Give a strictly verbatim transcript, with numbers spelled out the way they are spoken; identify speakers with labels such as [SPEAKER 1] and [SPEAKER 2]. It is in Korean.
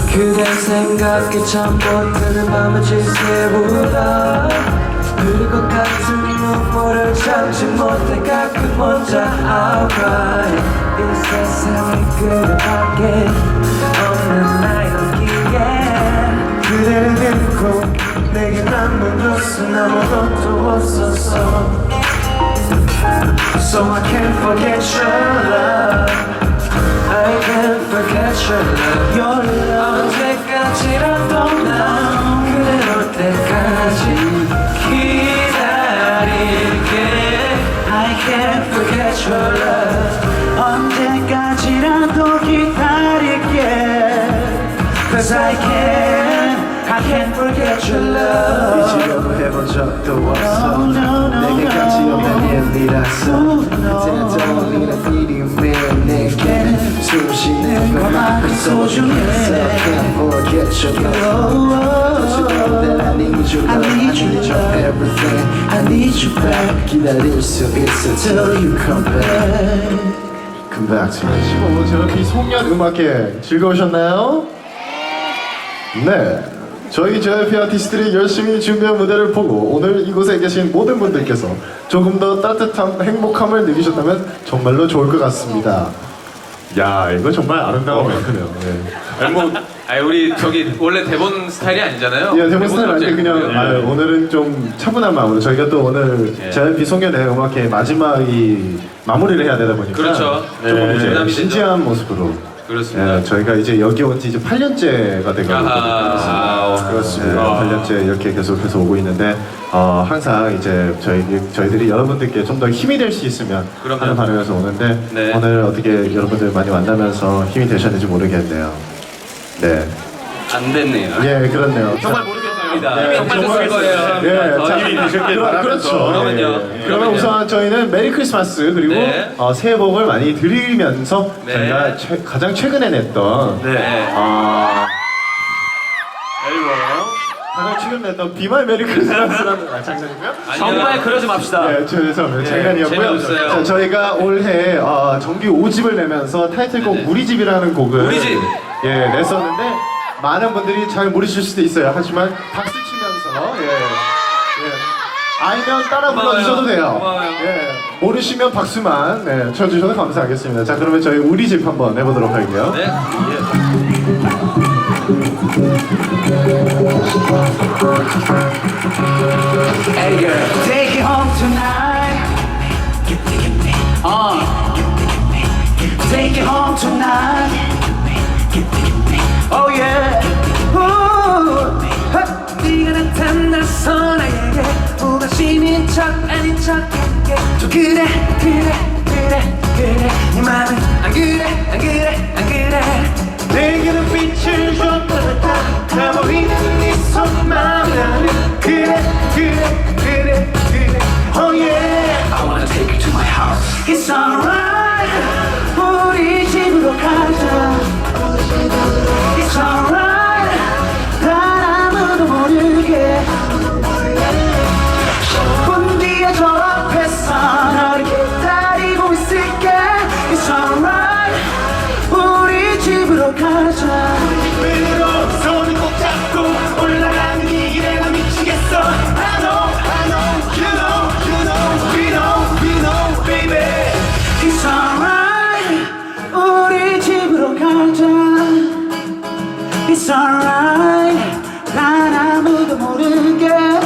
[SPEAKER 1] 그대 생각에 잠 못 드는 밤을 지새우다 흐를 것 같은 눈물을 참지 못해 가끔 혼자 outright 이 세상에 그대밖에 없는 나의 기에 그대를 잃고 내게 남은 것은 아무것도 없었어 So I can't forget your love I can't forget your love Your love 언제까지라도 난 그대 올 때까지 기다릴게 I can't forget your love 언제까지라도 기다릴게 Cause I can't I can't forget your love
[SPEAKER 2] 잊으려고 해본 적도 없어
[SPEAKER 1] no, no, no,
[SPEAKER 2] 내게
[SPEAKER 1] no.
[SPEAKER 2] 같이 없는 일이라서 그때는 떠올리는 필이 매일 내게 숨 쉬는 것만큼 소중했어 Can't forget your love Don't you know that I need your love I need your everything I need you back 기다릴 수 있어 till you come back Come back to me 십오 저 비송년 음악회 즐거우셨나요? 네 저희 제이와이피 아티스트들이 열심히 준비한 무대를 보고 오늘 이곳에 계신 모든 분들께서 조금 더 따뜻한 행복함을 느끼셨다면 정말로 좋을 것 같습니다. 야 이거 정말 아름다운 멘트네요. 네.
[SPEAKER 3] 아니 뭐 아니 우리 저기 원래 대본 스타일이 아니잖아요.
[SPEAKER 2] 예, 대본 스타일 아닌데 그냥
[SPEAKER 3] 네.
[SPEAKER 2] 아, 오늘은 좀 차분한 마음으로 저희가 또 오늘
[SPEAKER 3] 네.
[SPEAKER 2] 제이와이피 송년회 음악회 마지막이 마무리를 해야 되다 보니까
[SPEAKER 3] 그렇죠.
[SPEAKER 2] 조금 이제
[SPEAKER 3] 부담이
[SPEAKER 2] 진지한 모습으로
[SPEAKER 3] 그렇습니다.
[SPEAKER 2] 예, 저희가 이제 여기 온 지 이제 팔 년째가 되거든요.
[SPEAKER 3] 아하.
[SPEAKER 2] 그렇습니다.
[SPEAKER 3] 아.
[SPEAKER 2] 팔 년째 이렇게 계속해서 오고 있는데 어, 항상 이제 저희 저희들이 여러분들께 좀 더 힘이 될 수 있으면
[SPEAKER 3] 그럼요.
[SPEAKER 2] 하는 바람에서 오는데
[SPEAKER 3] 네.
[SPEAKER 2] 오늘 어떻게 여러분들 많이 만나면서 힘이 되셨는지 모르겠네요. 네.
[SPEAKER 3] 안 됐네요.
[SPEAKER 2] 예, 그렇네요.
[SPEAKER 3] 정말 모르겠습니다.
[SPEAKER 2] 네,
[SPEAKER 3] 정말 됐을
[SPEAKER 2] 정말
[SPEAKER 3] 거예요.
[SPEAKER 2] 예,
[SPEAKER 3] 더
[SPEAKER 2] 자,
[SPEAKER 3] 힘이 되셨길
[SPEAKER 2] 그러-
[SPEAKER 3] 바라면서.
[SPEAKER 2] 그렇죠.
[SPEAKER 3] 그러면요.
[SPEAKER 2] 예, 예. 그러면
[SPEAKER 3] 그러면요.
[SPEAKER 2] 우선 저희는 메리 크리스마스 그리고
[SPEAKER 3] 네.
[SPEAKER 2] 어, 새해 복을 많이 드리면서
[SPEAKER 3] 네.
[SPEAKER 2] 저희가 최, 가장 최근에 냈던
[SPEAKER 3] 네.
[SPEAKER 2] 아,
[SPEAKER 3] 앨범.
[SPEAKER 2] 가장 최근 냈던 비말 메리 크리스마스라는 아, 장난이고요?
[SPEAKER 3] 정말 그러지 맙시다.
[SPEAKER 2] 네, 죄송합니다.
[SPEAKER 3] 네,
[SPEAKER 2] 장난이었고요.
[SPEAKER 3] 재미없어요.
[SPEAKER 2] 자, 저희가 올해 어, 정규 오 집을 내면서 타이틀곡
[SPEAKER 3] 네네.
[SPEAKER 2] 우리 집이라는 곡을
[SPEAKER 3] 우리 집!
[SPEAKER 2] 예, 냈었는데 많은 분들이 잘 모르실 수도 있어요. 하지만 박수 치면서 예, 예. 알면 따라
[SPEAKER 3] 고마워요.
[SPEAKER 2] 불러주셔도 돼요.
[SPEAKER 3] 고마워요.
[SPEAKER 2] 예, 모르시면 박수만 네, 쳐주셔도 감사하겠습니다. 자, 그러면 저희 우리 집 한번 해보도록 할게요.
[SPEAKER 3] 네.
[SPEAKER 1] Hey girl, take it home tonight. Uh, take it home tonight. Oh yeah. Ooh, 네가 나타나서 나에게 무관심인 척 아닌 척할게. 좀 그래 그래 그래 그래 네 맘은 안 그래 안 그래 안 그래. 내게는 빛을 좀 받았다. 나 보이는 네 손만 나는 그래 그래 그래 그래. Oh yeah. I wanna take you to my house. It's alright. 우리 집으로 가자. It's alright. 난 아무도 모르게. 문 뒤에 저 앞에서 너를 기다리고 있을게. It's alright. 우리 집으로 가자. 으로 손을 꼭 잡고 올라가는 이 길에 나 미치겠어. I know, I know, you know, you know, we know, we know, baby. It's alright. 우리 집으로 가자. It's alright. 난 아무도 모르게.